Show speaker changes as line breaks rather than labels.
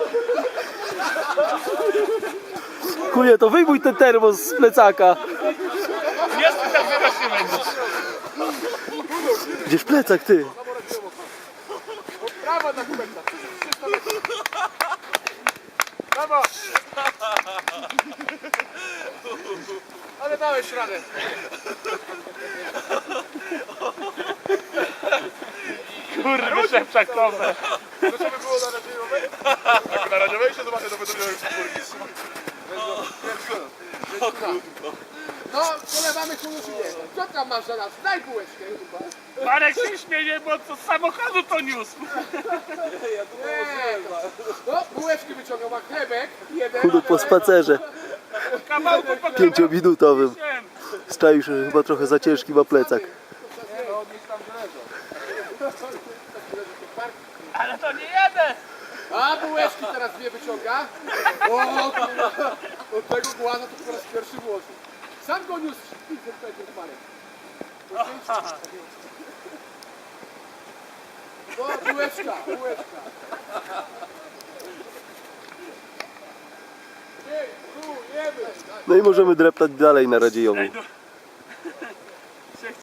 Kuje, to wyjmuj ten termos z plecaka.
Jest tak wyraźnie nie będziesz.
Gdzież plecak, ty?
Brawo na kubekta. Brawo. Ale dałeś radę.
Kurwa, szepczak kowe.
To co by było na radiowej? Tak, na radiowej się zobaczę, to będę miał już czwórki. No, polewamy kulu czy nie? Co tam masz za nas? Daj bułeczkę, chyba.
Marek się śmieje, bo to z samochodu to niósł.
Nie, no, bułeczki wyciągnął, ma chlebek, jeden.
Chudu po spacerze
Kawałku po
5-minutowym. Strzaił się, że chyba trochę za ciężki ma plecak.
No, niech tam leżą.
Ale to nie jeden.
A bułeczki teraz dwie wyciąga. O, kurwa. Od tego głaza to po raz pierwszy włożył. Sam go niósł z Marek. O, bułeczka, bułeczka. Ej, tu, jemy.
No i możemy dreptać dalej na Radziejowu.